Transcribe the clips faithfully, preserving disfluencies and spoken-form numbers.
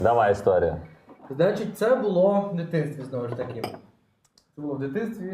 Давай історію. Значить, це було в дитинстві, знову ж таки. Це було в дитинстві.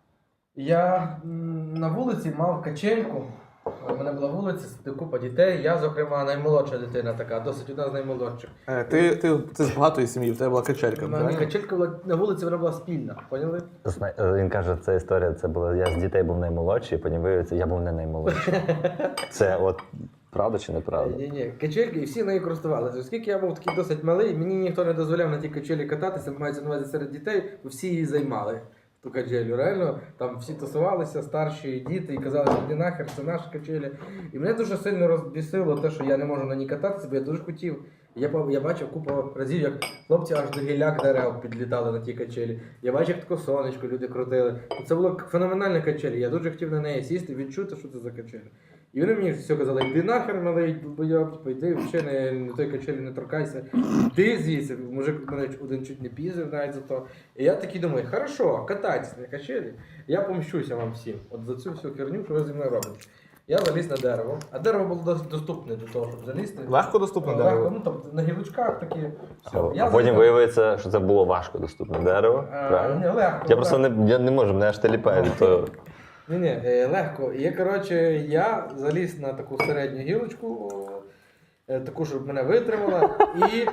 Я м, на вулиці мав качельку. У мене була вулиця, купа дітей. Я, зокрема, наймолодша дитина така, досить одна з наймолодших. Е, Ти, ти, ти з багатої сім'ї, в тебе була качелька, У мене правильно? качелька була на вулиці, вона була спільна, поняли? Зна- е, Він каже, це історія, це було, я з дітей був наймолодший, потім виявиться, я був не наймолодший. Це от правда чи неправда? Ні, ні, качельки, і всі нею користувалися. Оскільки я був такий досить малий, мені ніхто не дозволяв на тій качелі кататися, мається на увазі серед дітей, бо всі її займали. Ту качелю, реально, там всі тусувалися, старші діти, і казали, що іди нахер, це наша качеля. І мене дуже сильно розбісило те, що я не можу на ній кататися, бо я дуже хотів. Я, по- я бачив купу разів, як хлопці аж до гіляк дерев підлітали на тій качелі. Я бачив, як таке сонечко люди крутили. Це була феноменальна качеля, я дуже хотів на неї сісти, відчути, що це за качеля. І вони мені все казали, йди нахер, малий, долбойоб, типу, йди взагалі не, на той качелі не торкайся. Йди звідси, мужик мене один чуть не пізив навіть за то. І я такий думаю, хорошо, катайтесь на качелі, я помщуся вам всім. От за цю всю херню, що ви зі мною робите. Я заліз на дерево, а дерево було досить доступне до того, щоб залізти. Легко доступне Легко, дерево? ну там на гілочках такі. Все. А, Я а потім заліз- виявиться, що це було важко доступне дерево. Е, Правильно? ні, легко. Я просто не, я не можу, мене аж теліпає від того. Ні, ні, е, легко. І коротше, я заліз на таку середню гілочку, е, таку, щоб мене витримала, і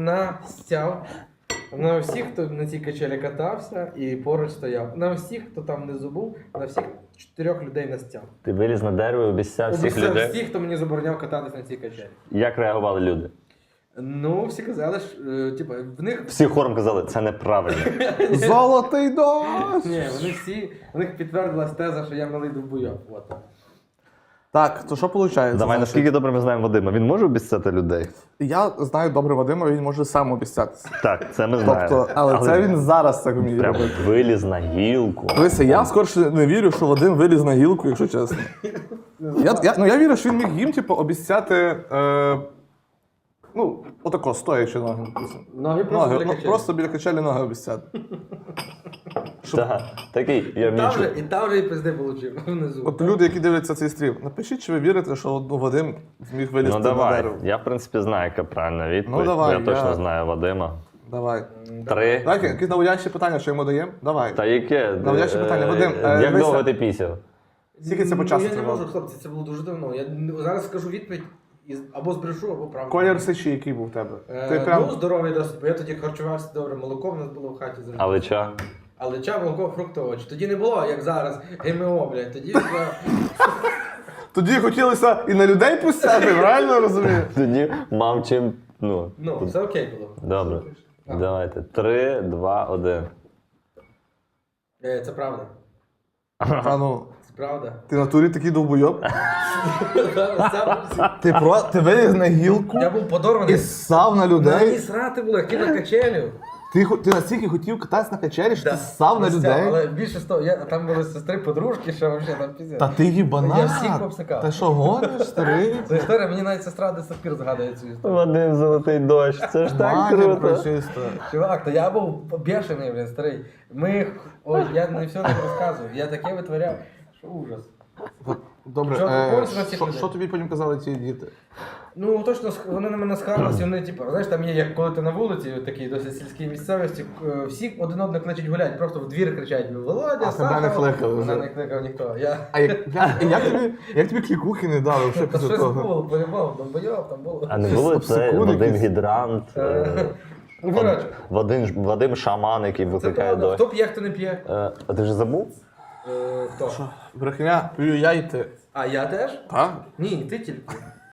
настяв на всіх, хто на цій качелі катався і поруч стояв. На всіх, хто там внизу був, на всіх чотирьох людей настяв. Ти виліз на дерево і обіцяв всіх Обіцяв людей. всіх, хто мені забороняв кататися на цій качелі. Як реагували люди? Ну, всі казали, що, е, типу, в них Всі хором казали, це неправильно. Золотий дощ! ні, вони всі, в них підтвердилась теза, що я малий довбойоб. От. Так, то що виходить? Давай, Значить, наскільки добре ми знаємо Вадима, він може обіцяти людей? Я знаю добре Вадима, він може сам обіцятися. Так, це ми знаємо. Тобто, але це він зараз так вміє прям робити. виліз на гілку. Дивися, я скорше не вірю, що Вадим виліз на гілку, якщо чесно. Я, я, ну, я вірю, що він міг їм типу, обіцяти, е, ну, отако, стоячи ноги. Ноги просто Ноги, біля ну, качелі. просто біля качелі ноги обіцяти. Так, такий, я І там вмічу. вже, і там вже і пизди получив внизу. От люди, які дивляться цей стрім, напишіть, чи ви вірите, що ну, Вадим зміг вилізти Ну на давай, дерево. я в принципі знаю, яка правильна відповідь. Ну, давай, я точно я- знаю Вадима. Давай. Три. Так, якісь наводящі питання, що йому даємо? Давай. Та яке? Наводяще питання. Вадим, е, Як дивися. довго ти пісяв? Скільки це по часу Ну, я не тривало? можу, хлопці, це було дуже давно. Я н- зараз скажу відповідь і або збрешу, або правду. Колір сечі, який був у тебе? Е, Ти прям... Ну, здоровий досить, бо я тоді харчувався добре, молоко в нас було в хаті завжди. Але чо? Але ча, молоко, фрукти, овочі. Тоді не було, як зараз, ГМО, блядь, тоді я... Тоді хотілося і на людей пустяти, правильно розумію? Тоді мав чим. Ну, Ну, все окей було. добре. Давайте. Три, два, один. Е, Це правда. А ну, Це правда. ти в натурі такий довбойоб. Це- Ти, про... ти виліз на гілку Я був подорваний. і ссав на Мені людей. срати було, як і на качелю. Ти, хо- ти настільки хотів кататися на качелі, що Да. ти ссав на Ось це, людей. Але більше з того, я, там були сестри, подружки, що взагалі там піздець. Та ти їбанат. Я всіх обсикав. Та що гониш, старий? Це історія, мені навіть сестра до сих пір згадує цю історію. Вадим золотий дощ. Це ж так Матір круто. прочиста. Чувак, то я був бешений, блін, старий. Ми, ой, я не все не розказую, я таке витворяв, що ужас. Добре, Що, е, повністю на всіх що, людей? що тобі потім казали ці діти? Ну точно сх- вони на мене схарилися, вони типу, знаєш, там є, як коли ти на вулиці, такій досить сільській місцевості, е, всі один одного кличуть гулять, просто в двір кричать: Володя, А тебе не Сахаров!» кликали вже? Мене не кликав ніхто. Я... А як, як, як, тобі, як тобі клікухи не дали вже Та після щось того? було, по-любому, там бойов, там було. А не було це Секунди Вадим якісь. Гідрант, е, Ну, коротше, Вадим, Вадим Шаман, який це викликає правда. дощ. Хто п'є, хто не п'є? Е, А ти вже забув? Е, Хто? Брехня, п'ю я і ти. А я теж? Так? Ні, ти тільки.